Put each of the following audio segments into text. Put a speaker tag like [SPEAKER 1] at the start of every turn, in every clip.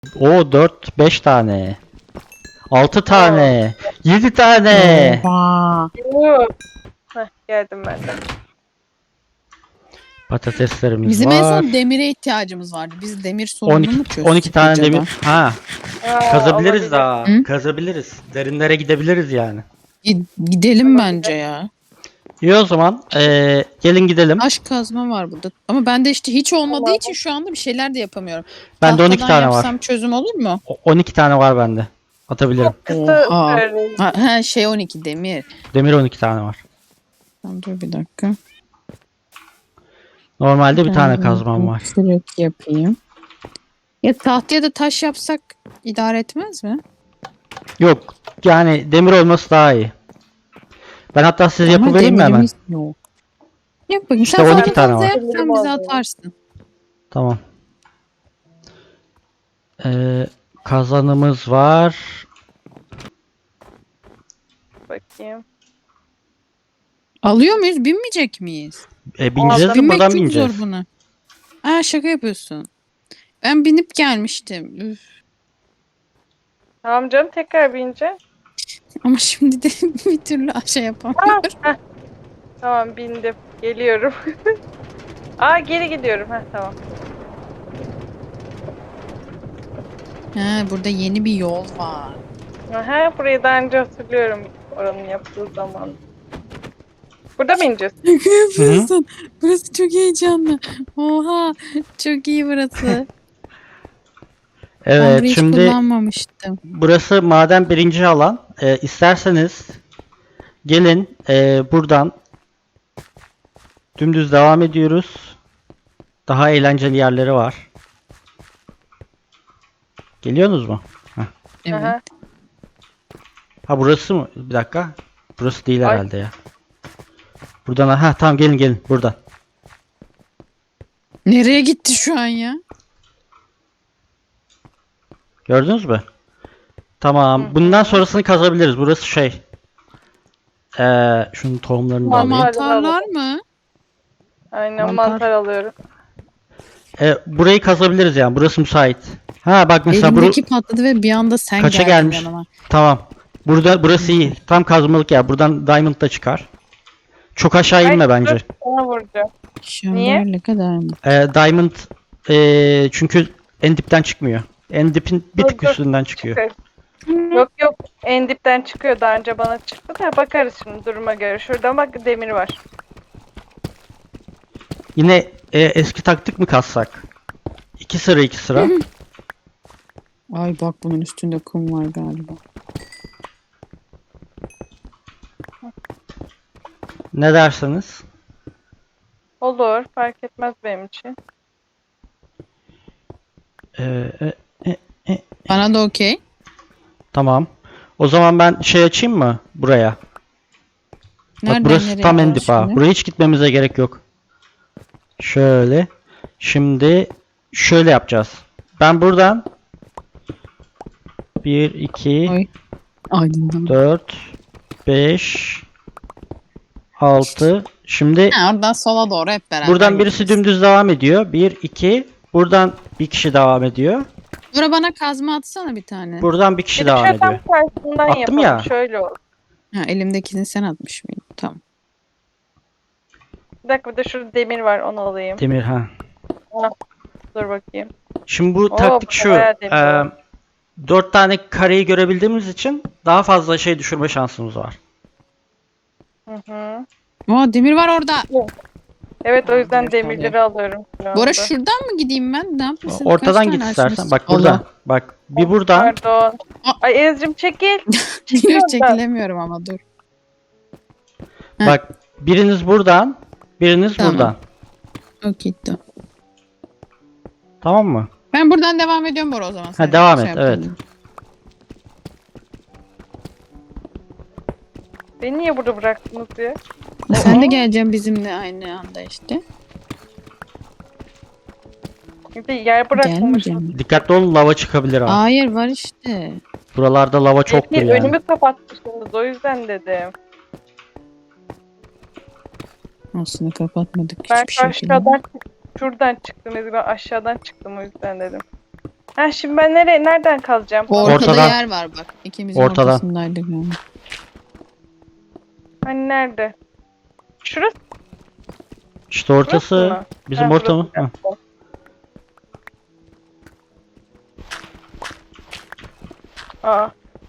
[SPEAKER 1] O 4 5 tane. 6 tane. 7 tane.
[SPEAKER 2] Oha.
[SPEAKER 3] Yoo. Heh, geldim ben de.
[SPEAKER 1] Patateslerimiz
[SPEAKER 2] Bizim en
[SPEAKER 1] var.
[SPEAKER 2] son demire ihtiyacımız vardı. Biz demir sorununu mu
[SPEAKER 1] 12
[SPEAKER 2] çözsek
[SPEAKER 1] 12 tane
[SPEAKER 2] acaba?
[SPEAKER 1] demir. Ha,
[SPEAKER 3] Aa,
[SPEAKER 1] kazabiliriz
[SPEAKER 3] olabilir.
[SPEAKER 1] daha.
[SPEAKER 2] Hı?
[SPEAKER 1] Kazabiliriz. Derinlere gidebiliriz yani.
[SPEAKER 2] Gidelim bence ya.
[SPEAKER 1] İyi o zaman. Gelin gidelim.
[SPEAKER 2] Taş kazma var burada. Ama bende işte hiç olmadığı
[SPEAKER 3] Tamam.
[SPEAKER 2] için şu anda bir şeyler de yapamıyorum.
[SPEAKER 1] Bende 12
[SPEAKER 2] Tahtadan
[SPEAKER 1] tane var.
[SPEAKER 2] yapsam çözüm olur mu?
[SPEAKER 1] 12 tane var bende. Atabilirim.
[SPEAKER 3] Kısa
[SPEAKER 2] Oha.
[SPEAKER 3] süreli.
[SPEAKER 2] Ha, şey 12 demir.
[SPEAKER 1] Demir 12 tane var.
[SPEAKER 2] Tamam, dur bir dakika.
[SPEAKER 1] Normalde bir
[SPEAKER 2] Ben
[SPEAKER 1] tane
[SPEAKER 2] bunu
[SPEAKER 1] kazmam var.
[SPEAKER 2] kırık yapayım. Ya tahtaya da taş yapsak idare etmez mi?
[SPEAKER 1] Yok. Yani demir olması daha iyi. Ben hatta size
[SPEAKER 2] Ama
[SPEAKER 1] yapıvereyim mi hemen?
[SPEAKER 2] demirimiz yok. Yap bakayım.
[SPEAKER 1] İşte
[SPEAKER 2] Sen
[SPEAKER 1] 12
[SPEAKER 2] fazla
[SPEAKER 1] tane
[SPEAKER 2] fazla
[SPEAKER 1] var.
[SPEAKER 2] yap, sen bize atarsın.
[SPEAKER 1] Tamam. Kazanımız var.
[SPEAKER 3] Bakayım.
[SPEAKER 2] Alıyor muyuz? Binmeyecek miyiz?
[SPEAKER 1] Bineceğiz de
[SPEAKER 2] Binmek
[SPEAKER 1] buradan
[SPEAKER 2] çok
[SPEAKER 1] bineceğiz.
[SPEAKER 2] zor buna. Aa, şaka yapıyorsun. Ben binip gelmiştim. Üf.
[SPEAKER 3] Tamam canım, tekrar bineceğim.
[SPEAKER 2] Ama şimdi de bir türlü şey yapamıyorum.
[SPEAKER 3] Heh. Tamam, bindim. Geliyorum. Aa, geri gidiyorum. Heh, tamam.
[SPEAKER 2] Ha, burada yeni bir yol var.
[SPEAKER 3] Aha, burayı daha önce hatırlıyorum oranın yaptığı zaman. Burada mı ineceğiz?
[SPEAKER 2] Şaka yapıyorsun. Burası çok heyecanlı. Oha, çok iyi burası. Ben
[SPEAKER 1] Evet,
[SPEAKER 2] burayı hiç
[SPEAKER 1] şimdi
[SPEAKER 2] kullanmamıştım.
[SPEAKER 1] burası maden birinci alan. İsterseniz gelin buradan dümdüz devam ediyoruz. Daha eğlenceli yerleri var. Geliyorsunuz mu?
[SPEAKER 2] Evet.
[SPEAKER 3] Aha.
[SPEAKER 1] Ha, burası mı? Bir dakika. Burası değil
[SPEAKER 3] Ay.
[SPEAKER 1] herhalde ya. Buradan ha, tamam, gelin buradan.
[SPEAKER 2] Nereye gitti şu an ya?
[SPEAKER 1] Gördünüz mü? Tamam. Bundan sonrasını kazabiliriz. Burası şey. Şunun tohumlarını da alayım.
[SPEAKER 2] Mantarlar mı?
[SPEAKER 3] Aynen,
[SPEAKER 1] Mantar.
[SPEAKER 3] mantar alıyorum.
[SPEAKER 1] Burayı kazabiliriz yani. Burası müsait. Ha bak mesela
[SPEAKER 2] Elimdeki patladı ve bir anda sen
[SPEAKER 1] Kaça
[SPEAKER 2] geldin
[SPEAKER 1] gelmiş?
[SPEAKER 2] yanıma.
[SPEAKER 1] Tamam. Burası iyi. Tam kazmalık ya. Buradan diamond da çıkar. Çok aşağı inme
[SPEAKER 3] Ay,
[SPEAKER 1] bence.
[SPEAKER 3] Sana vuracağım.
[SPEAKER 2] Şöyle kadar mı?
[SPEAKER 1] Diamond çünkü en dipten çıkmıyor. En dipin bir tık
[SPEAKER 3] Dur, dur.
[SPEAKER 1] üstünden çıkıyor.
[SPEAKER 3] Yok yok, en dipten çıkıyor, daha önce bana çıktı da bakarız şimdi duruma göre. Şurada bak, demir var.
[SPEAKER 1] Yine eski taktik mi kazsak? 2 sıra 2 sıra.
[SPEAKER 2] Ay bak, bunun üstünde kum var galiba.
[SPEAKER 1] Ne dersiniz?
[SPEAKER 3] Olur, fark etmez benim için.
[SPEAKER 1] E,
[SPEAKER 2] Bana da okey.
[SPEAKER 1] tamam. O zaman ben şey açayım mı buraya?
[SPEAKER 2] Nereden
[SPEAKER 1] Bak burası
[SPEAKER 2] nereye
[SPEAKER 1] tam en
[SPEAKER 2] gidiyoruz
[SPEAKER 1] dip ha.
[SPEAKER 2] şimdi?
[SPEAKER 1] Buraya hiç gitmemize gerek yok. Şöyle. Şimdi şöyle yapacağız. Ben buradan 1, 2,
[SPEAKER 2] Ay. Aydınlanma.
[SPEAKER 1] 4, 5, 6. Şimdi
[SPEAKER 2] Ha, oradan sola doğru hep beraber
[SPEAKER 1] buradan birisi
[SPEAKER 2] gideceğiz.
[SPEAKER 1] dümdüz devam ediyor. 1, 2. Buradan bir kişi devam ediyor.
[SPEAKER 2] Bura bana kazma atsana bir tane.
[SPEAKER 1] Buradan bir kişi
[SPEAKER 3] Bir de
[SPEAKER 1] devam
[SPEAKER 3] şöyle
[SPEAKER 1] ediyor.
[SPEAKER 3] tam karşısından
[SPEAKER 1] Attım
[SPEAKER 3] yapalım.
[SPEAKER 1] ya.
[SPEAKER 3] Şöyle olur.
[SPEAKER 2] Ha, elimdekini sen atmış mıydın? Tamam.
[SPEAKER 3] Bir dakika, bir de şurada demir var, onu alayım.
[SPEAKER 1] Demir ha.
[SPEAKER 3] Dur bakayım.
[SPEAKER 1] Şimdi bu
[SPEAKER 3] Oo,
[SPEAKER 1] taktik
[SPEAKER 3] bu
[SPEAKER 1] şu.
[SPEAKER 3] bayağı demir.
[SPEAKER 1] 4 tane kareyi görebildiğimiz için daha fazla şey düşürme şansımız var.
[SPEAKER 3] Hı hı.
[SPEAKER 2] Aa, demir var orada.
[SPEAKER 3] Evet, o yüzden
[SPEAKER 2] Demir
[SPEAKER 3] demirleri alıyorum şu anda.
[SPEAKER 2] Bora, şuradan mı gideyim ben? Ne yapıyorsun?
[SPEAKER 1] Ortadan
[SPEAKER 2] Kaç
[SPEAKER 1] git
[SPEAKER 2] tane
[SPEAKER 1] istersen.
[SPEAKER 2] açmışsın?
[SPEAKER 1] Bak buradan. Bak bir buradan.
[SPEAKER 3] Pardon.
[SPEAKER 2] Aa.
[SPEAKER 3] Ay Ezgi'cim, çekil. Çekil
[SPEAKER 2] Dur,
[SPEAKER 3] oradan.
[SPEAKER 2] çekilemiyorum ama dur. Heh.
[SPEAKER 1] Bak biriniz buradan. Biriniz
[SPEAKER 2] Tamam.
[SPEAKER 1] buradan.
[SPEAKER 2] Okey, tamam.
[SPEAKER 1] Tamam mı?
[SPEAKER 2] Ben buradan devam ediyorum Bora o zaman. Sen
[SPEAKER 1] devam et,
[SPEAKER 2] yapalım.
[SPEAKER 1] evet.
[SPEAKER 3] Beni niye burada bıraktınız ya?
[SPEAKER 2] Sen de geleceksin bizimle aynı anda işte.
[SPEAKER 3] Bir de yer bırakmamışım.
[SPEAKER 2] Gelmeyeceğim.
[SPEAKER 1] Dikkatli olun, lava çıkabilir ha.
[SPEAKER 2] Hayır, var işte.
[SPEAKER 1] Buralarda lava çoktur
[SPEAKER 3] Ezgi,
[SPEAKER 1] yani.
[SPEAKER 3] önümü kapatmışsınız, o yüzden dedim.
[SPEAKER 2] Aslında kapatmadık
[SPEAKER 3] Ben
[SPEAKER 2] hiçbir şekilde.
[SPEAKER 3] aşağıdan şuradan çıktım Ezgi, ben aşağıdan çıktım, o yüzden dedim. Ha şimdi ben nereden kazacağım?
[SPEAKER 2] Ortada
[SPEAKER 1] Ortadan.
[SPEAKER 2] yer var bak. İkimizin
[SPEAKER 1] Ortadan.
[SPEAKER 2] ortasındaydık yani.
[SPEAKER 3] Hani nerede? Şurası
[SPEAKER 1] İşte ortası
[SPEAKER 3] mı?
[SPEAKER 1] bizim
[SPEAKER 3] Ha,
[SPEAKER 1] orta mı?
[SPEAKER 3] burası.
[SPEAKER 1] Hı.
[SPEAKER 3] Aa.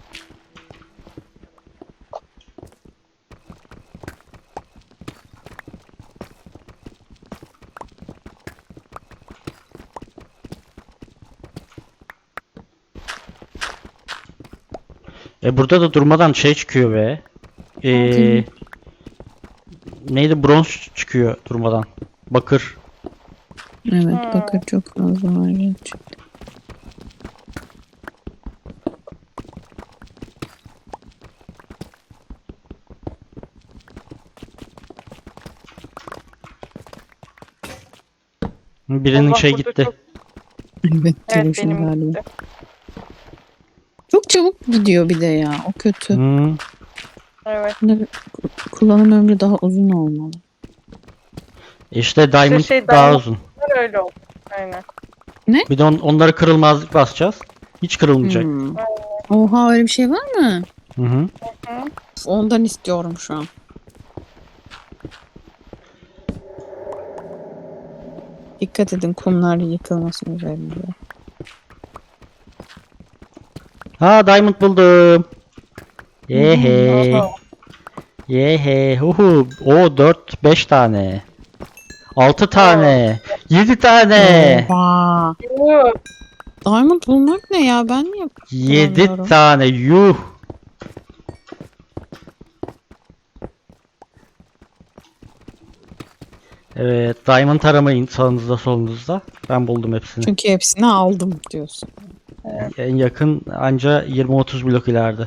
[SPEAKER 1] Burada da durmadan şey çıkıyor be.
[SPEAKER 2] Bakayım.
[SPEAKER 1] Neydi? Bronz çıkıyor durmadan. Bakır.
[SPEAKER 2] Evet bakır çok fazla var gerçekten.
[SPEAKER 1] Birinin
[SPEAKER 3] Allah,
[SPEAKER 1] şey
[SPEAKER 3] burada
[SPEAKER 1] gitti.
[SPEAKER 3] çok-
[SPEAKER 2] Evet,
[SPEAKER 3] Evet
[SPEAKER 2] telefon
[SPEAKER 3] benim
[SPEAKER 2] galiba.
[SPEAKER 3] gitti.
[SPEAKER 2] Çok çabuk gidiyor bir de ya. O kötü.
[SPEAKER 1] Hmm.
[SPEAKER 3] Evet.
[SPEAKER 2] Bunların kullanım ömrü daha uzun olmalı.
[SPEAKER 1] İşte Diamond
[SPEAKER 3] şey,
[SPEAKER 1] daha
[SPEAKER 3] Diamond-
[SPEAKER 1] uzun.
[SPEAKER 3] Öyle oldu. Aynen.
[SPEAKER 1] Bir de onları kırılmazlık basacağız. Hiç kırılmayacak.
[SPEAKER 2] Hmm. Oha öyle bir şey var mı?
[SPEAKER 1] Hı hı.
[SPEAKER 2] Ondan istiyorum şu an. Dikkat edin kumlar yıkılmasın üzerinde.
[SPEAKER 1] Ha, Diamond buldum. Yehe.
[SPEAKER 3] Oho.
[SPEAKER 1] Yehe. Huhu. O 4 5 tane. 6 tane. 7 tane.
[SPEAKER 2] Oha.
[SPEAKER 3] Yuh.
[SPEAKER 2] Diamond bulmak ne ya? Ben niye
[SPEAKER 1] 7
[SPEAKER 2] bulamıyorum?
[SPEAKER 1] tane. Yuh. Evet, Diamond aramayın sağınızda solunuzda. Ben buldum hepsini.
[SPEAKER 2] Çünkü hepsini aldım diyorsun.
[SPEAKER 1] En yakın anca 20-30 blok ileride.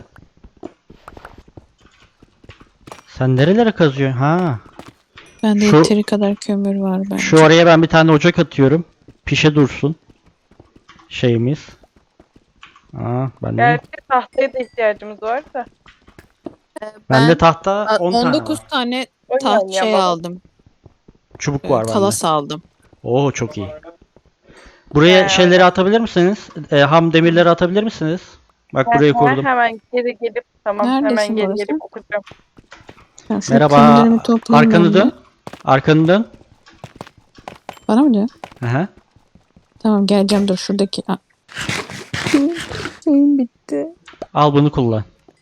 [SPEAKER 1] Sen nerelere kazıyorsun? Ha.
[SPEAKER 2] Bende
[SPEAKER 1] Şu-
[SPEAKER 2] yeteri kadar kömür var bence.
[SPEAKER 1] Şu oraya ben bir tane ocak atıyorum. Pişe dursun. Şeyimiz. Aa, ben de.
[SPEAKER 3] Gerçi tahtaya da ihtiyacımız var da.
[SPEAKER 1] Bende tahta 10 tane
[SPEAKER 2] 19
[SPEAKER 1] var.
[SPEAKER 2] tane
[SPEAKER 3] O
[SPEAKER 2] taht
[SPEAKER 3] yani
[SPEAKER 2] şey
[SPEAKER 3] ama-
[SPEAKER 2] aldım.
[SPEAKER 1] Çubuk var bende.
[SPEAKER 2] Kalas aldım.
[SPEAKER 1] Oo, çok iyi. Buraya
[SPEAKER 3] He,
[SPEAKER 1] şeyleri atabilir misiniz? Ham demirleri atabilir misiniz? Bak burayı kurdum.
[SPEAKER 3] Hemen geri gelip tamam
[SPEAKER 2] Neredesin
[SPEAKER 3] hemen geri
[SPEAKER 2] burası?
[SPEAKER 3] gelip okuyacağım.
[SPEAKER 2] Ben şu
[SPEAKER 1] Merhaba.
[SPEAKER 2] kömürlerimi toplayayım
[SPEAKER 1] Arkanı
[SPEAKER 2] ben de.
[SPEAKER 1] dön. Arkanı dön.
[SPEAKER 2] Bana mı diyor?
[SPEAKER 1] Aha.
[SPEAKER 2] Tamam geleceğim dur şuradaki. Aa. Şeyim bitti.
[SPEAKER 1] Al bunu kullan.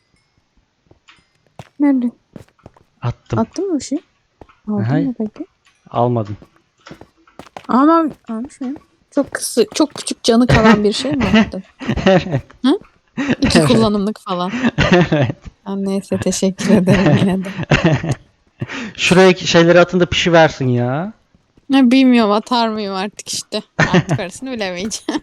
[SPEAKER 2] Nerede?
[SPEAKER 1] Attım.
[SPEAKER 2] Attın mı bir şey?
[SPEAKER 1] Aha.
[SPEAKER 2] Aldın mı peki?
[SPEAKER 1] Almadın.
[SPEAKER 2] Ama almış mıyım? Çok küçük canı kalan bir şey mi attın? Hı? 2 kullanımlık falan. Ha, neyse teşekkür ederim yine de.
[SPEAKER 1] Şuraya şeyleri atın da pişi versin ya.
[SPEAKER 2] Ne bilmiyorum atar mıyım artık işte. Artık arasını bilemeyeceğim.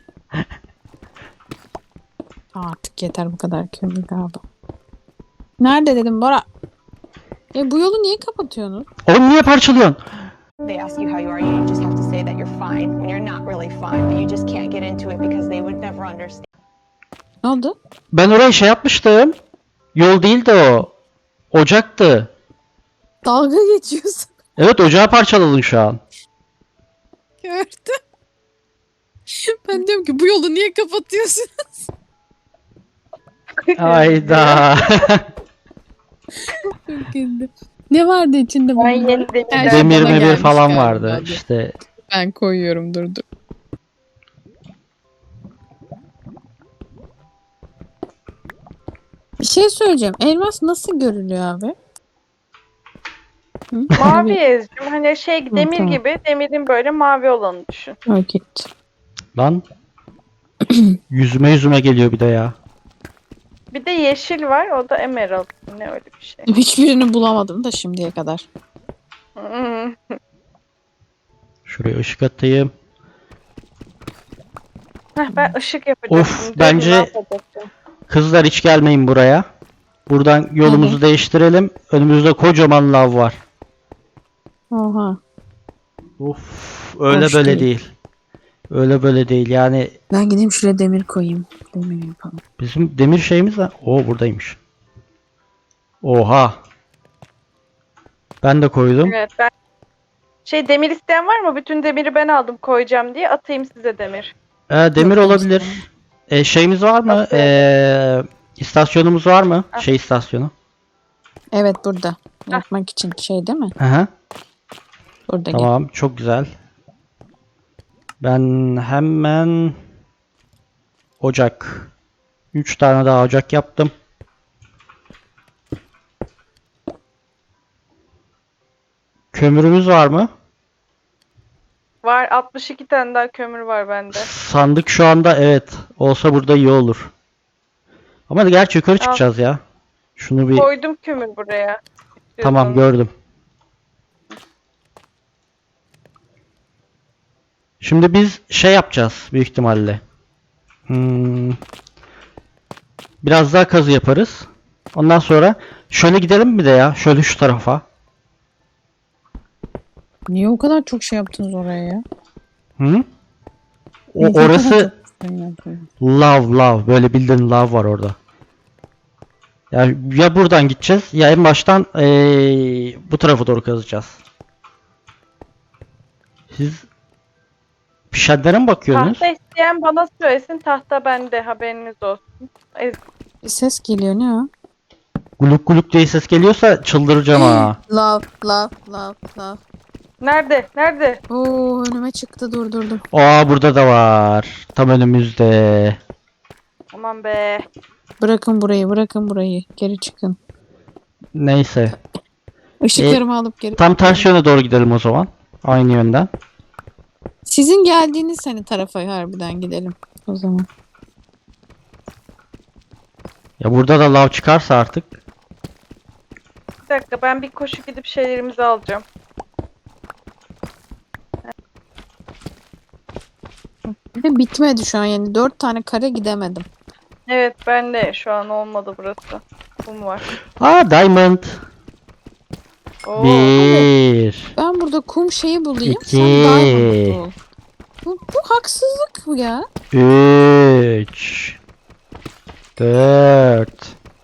[SPEAKER 2] Artık yeter bu kadar kömür galiba. Nerede dedim Bora? Bu yolu niye kapatıyorsunuz?
[SPEAKER 1] Oğlum niye parçalıyorsun?
[SPEAKER 4] They ask you how you are, you just have to say that you're fine when you're not really fine, but you just can't get into it because they would never understand.
[SPEAKER 2] Ne oldu?
[SPEAKER 1] Ben orayı şey yapmıştım. Yol değildi o. Ocaktı.
[SPEAKER 2] Dalga geçiyorsun.
[SPEAKER 1] Evet, ocağı parçaladın şu an.
[SPEAKER 2] Gördüm. Ben diyorum ki bu yolu niye kapatıyorsunuz?
[SPEAKER 1] Ayda.
[SPEAKER 2] Çok güldüm. Ne vardı içinde
[SPEAKER 3] Ben
[SPEAKER 2] bunun?
[SPEAKER 3] yeni demirden
[SPEAKER 2] Her şey
[SPEAKER 1] Demir
[SPEAKER 2] bana
[SPEAKER 1] memir
[SPEAKER 2] gelmiş
[SPEAKER 1] falan
[SPEAKER 2] galiba.
[SPEAKER 1] vardı.
[SPEAKER 2] Hadi.
[SPEAKER 1] İşte
[SPEAKER 2] Ben koyuyorum dur. Bir şey söyleyeceğim. Elmas nasıl görülüyor abi? Hı?
[SPEAKER 3] mavi ezcim hani şey demir
[SPEAKER 2] tamam.
[SPEAKER 3] gibi demirin böyle mavi olanı düşün.
[SPEAKER 2] Git.
[SPEAKER 1] lan yüzüme geliyor bir de ya.
[SPEAKER 3] Bir de yeşil var o da emerald. Ne öyle bir şey.
[SPEAKER 2] Hiçbirini bulamadım da şimdiye kadar.
[SPEAKER 3] Hmm.
[SPEAKER 1] Şuraya ışık atayım.
[SPEAKER 3] Ben ışık yapacaktım.
[SPEAKER 1] Of,
[SPEAKER 3] Dur,
[SPEAKER 1] bence-
[SPEAKER 3] ne yapacaktım?
[SPEAKER 1] Kızlar hiç gelmeyin buraya. Buradan yolumuzu değiştirelim. Önümüzde kocaman lav var.
[SPEAKER 2] Oha.
[SPEAKER 1] Of, öyle
[SPEAKER 2] Hoş
[SPEAKER 1] böyle
[SPEAKER 2] değil.
[SPEAKER 1] değil. Öyle böyle değil. Yani
[SPEAKER 2] Ben gideyim şuraya demir koyayım. Demir yapalım.
[SPEAKER 1] bizim demir şeyimiz var. Oo, buradaymış. Oha. Ben de koydum.
[SPEAKER 3] Evet demir isteyen var mı? Bütün demiri ben aldım koyacağım diye atayım size demir.
[SPEAKER 1] Demir
[SPEAKER 2] Yok,
[SPEAKER 1] olabilir. Şeyimiz var mı? İstasyonumuz var mı?
[SPEAKER 3] Ah.
[SPEAKER 1] Şey istasyonu.
[SPEAKER 2] Evet burada. Yapmak için şey değil mi?
[SPEAKER 1] Hı hı.
[SPEAKER 2] Burada
[SPEAKER 1] Tamam, çok güzel. Ben hemen ocak. 3 tane daha ocak yaptım. Kömürümüz var mı?
[SPEAKER 3] Var 62 tane daha kömür var bende.
[SPEAKER 1] Sandık şu anda evet. Olsa burada iyi olur. Ama gerçi yukarı çıkacağız ya. Şunu bir
[SPEAKER 3] Koydum kömür buraya.
[SPEAKER 1] tamam
[SPEAKER 3] İstiyorsanız.
[SPEAKER 1] gördüm. Şimdi biz şey yapacağız büyük ihtimalle. Biraz daha kazı yaparız. Ondan sonra şöyle gidelim mi de ya? Şöyle şu tarafa.
[SPEAKER 2] Niye o kadar çok şey yaptınız oraya ya?
[SPEAKER 1] Hı?
[SPEAKER 2] Niye o kadar
[SPEAKER 1] Orası
[SPEAKER 2] çok şey yaptınız?
[SPEAKER 1] lav. Böyle bildiğin lav var orada. Ya buradan gideceğiz ya en baştan bu tarafa doğru kazacağız. Siz pişenlere mi bakıyorsunuz?
[SPEAKER 3] Tahta isteyen bana söylesin. Tahta bende, haberiniz olsun.
[SPEAKER 2] Bir ses geliyor ne o?
[SPEAKER 1] Guluk guluk diye ses geliyorsa çıldıracağım ha.
[SPEAKER 2] Love.
[SPEAKER 3] Nerede? Nerede?
[SPEAKER 2] Oo önüme çıktı durdurdum.
[SPEAKER 1] Aa burada da var. Tam önümüzde.
[SPEAKER 3] Aman be.
[SPEAKER 2] Bırakın burayı. Geri çıkın.
[SPEAKER 1] Neyse.
[SPEAKER 2] Işıklarımı alıp geri
[SPEAKER 1] Tam ters yöne doğru gidelim o zaman. Aynı yönden.
[SPEAKER 2] Sizin geldiğiniz hani tarafa harbiden gidelim o zaman.
[SPEAKER 1] Ya burada da lav çıkarsa artık.
[SPEAKER 3] Bir dakika, ben bir koşu gidip şeylerimizi alacağım.
[SPEAKER 2] Bir de bitmedi şu an yani 4 tane kare gidemedim.
[SPEAKER 3] Evet, ben de şu an olmadı burası. Kum var.
[SPEAKER 1] Aa diamond.
[SPEAKER 3] Oo.
[SPEAKER 1] 1
[SPEAKER 2] Ben burada kum şeyi bulayım.
[SPEAKER 1] İki.
[SPEAKER 2] Sen diamond bul. Bu haksızlık mı ya?
[SPEAKER 1] 3 4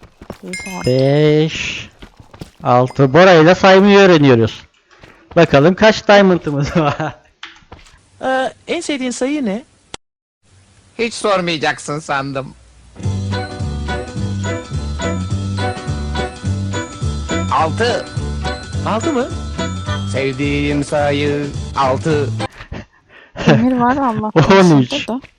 [SPEAKER 1] 5 6 Bora ile saymayı öğreniyoruz. Bakalım kaç diamond'ımız var.
[SPEAKER 5] En sevdiğin sayı ne?
[SPEAKER 6] Hiç sormayacaksın sandım. 6.
[SPEAKER 5] 6 mı?
[SPEAKER 6] Sevdiğim sayı 6.
[SPEAKER 2] Demir var Allah.
[SPEAKER 1] 13.
[SPEAKER 2] da.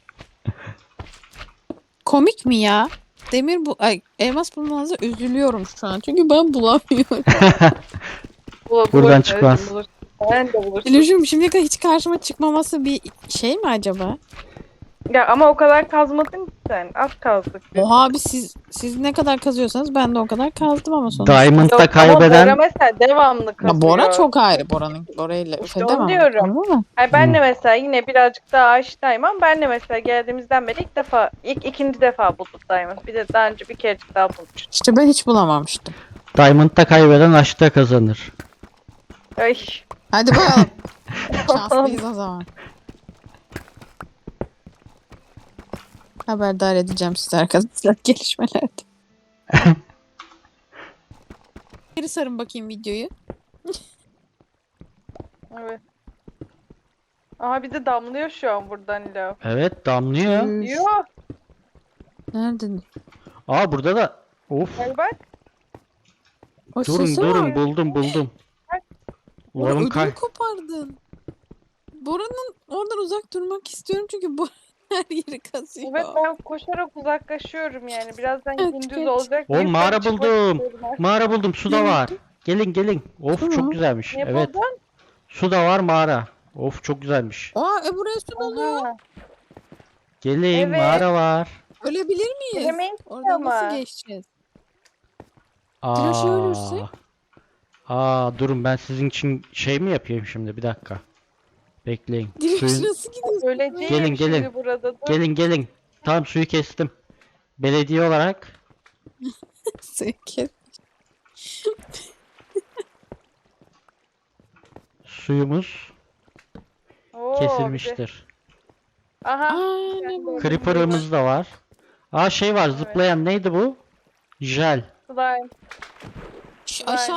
[SPEAKER 2] Komik mi ya? Demir bu elmas bulmanıza üzülüyorum şu an. Çünkü ben bulamıyorum.
[SPEAKER 1] Buradan çıkmaz.
[SPEAKER 3] Bulursun. Ben de bulursun.
[SPEAKER 2] Illusion şimdiye kadar hiç karşıma çıkmaması bir şey mi acaba?
[SPEAKER 3] Ya ama o kadar kazmadın ki sen. Az kazdık.
[SPEAKER 2] Oha abi siz ne kadar kazıyorsanız ben de o kadar kazdım ama sonuçta.
[SPEAKER 1] Diamond'da
[SPEAKER 3] Yok, ama Bora
[SPEAKER 1] kaybeden
[SPEAKER 3] mesela devamlı kazıyor.
[SPEAKER 2] Ya Bora çok ayrı Bora'yla
[SPEAKER 3] İşte
[SPEAKER 2] öfedemem.
[SPEAKER 3] onu diyorum.
[SPEAKER 2] Anladın mı?
[SPEAKER 3] Hayır, ben de mesela yine birazcık daha aşinayım ama ben de mesela geldiğimizden beri ikinci defa bulduk Diamond. Bir de daha önce bir kerecik daha bulmuştum.
[SPEAKER 2] İşte ben hiç bulamamıştım.
[SPEAKER 1] Diamond'da kaybeden aşkta kazanır.
[SPEAKER 3] Ay.
[SPEAKER 2] Hadi bakalım. Şanslıyız o zaman. Haberdar edeceğim sizi arkadaşlar gelişmelerde. Geri sarın bakayım videoyu.
[SPEAKER 3] Evet. Aha bir de damlıyor şu an buradan lav.
[SPEAKER 1] Evet damlıyor.
[SPEAKER 3] Yok.
[SPEAKER 2] Nerede?
[SPEAKER 1] Aa burada da. Of.
[SPEAKER 3] Gel bak.
[SPEAKER 2] O
[SPEAKER 1] Durun
[SPEAKER 2] sesi
[SPEAKER 1] durun
[SPEAKER 2] var.
[SPEAKER 1] buldum.
[SPEAKER 2] Bora
[SPEAKER 1] Ulan
[SPEAKER 2] ödümü kopardın. Bora'nın oradan uzak durmak istiyorum çünkü Bora her yeri kazıyor.
[SPEAKER 3] Evet, ben koşarak uzaklaşıyorum yani. Birazdan
[SPEAKER 2] Evet,
[SPEAKER 3] gündüz
[SPEAKER 2] geç.
[SPEAKER 3] olacak.
[SPEAKER 1] O
[SPEAKER 3] Yukarı
[SPEAKER 1] mağara
[SPEAKER 3] çıkmak
[SPEAKER 1] buldum.
[SPEAKER 3] istiyorum artık.
[SPEAKER 1] Mağara buldum. Su da
[SPEAKER 2] Ne
[SPEAKER 1] var. Gelin. Of
[SPEAKER 2] Su mu?
[SPEAKER 1] çok güzelmiş.
[SPEAKER 3] Ne
[SPEAKER 1] Evet.
[SPEAKER 3] buldun?
[SPEAKER 1] Su da var mağara. Of çok güzelmiş.
[SPEAKER 2] Aa buraya su doluyor.
[SPEAKER 3] Aha.
[SPEAKER 1] Gelin
[SPEAKER 3] Evet.
[SPEAKER 1] mağara var.
[SPEAKER 2] Ölebilir miyiz?
[SPEAKER 3] Giremeyiz ki
[SPEAKER 2] Oradan
[SPEAKER 3] ama.
[SPEAKER 2] nasıl geçeceğiz? Tıraşı ölürsek?
[SPEAKER 1] Durun ben sizin için şey mi yapayım şimdi bir dakika. Bekleyin.
[SPEAKER 2] Direkt
[SPEAKER 1] Suyun-
[SPEAKER 2] nasıl gidiyorsun?
[SPEAKER 3] Öleceğim
[SPEAKER 1] Gelin,
[SPEAKER 3] şimdi
[SPEAKER 1] gelin.
[SPEAKER 3] burada. Dur.
[SPEAKER 1] Gelin. Tam suyu kestim. Belediye olarak
[SPEAKER 2] Sevgi.
[SPEAKER 1] suyumuz
[SPEAKER 3] Oo, bir de-
[SPEAKER 1] kesilmiştir.
[SPEAKER 3] Aha.
[SPEAKER 2] Aa ne
[SPEAKER 3] Ben de
[SPEAKER 2] bu?
[SPEAKER 3] öyle
[SPEAKER 1] Creeper'ımız da var. Şey var zıplayan neydi bu? Jel.
[SPEAKER 3] Slime.
[SPEAKER 2] Aşağı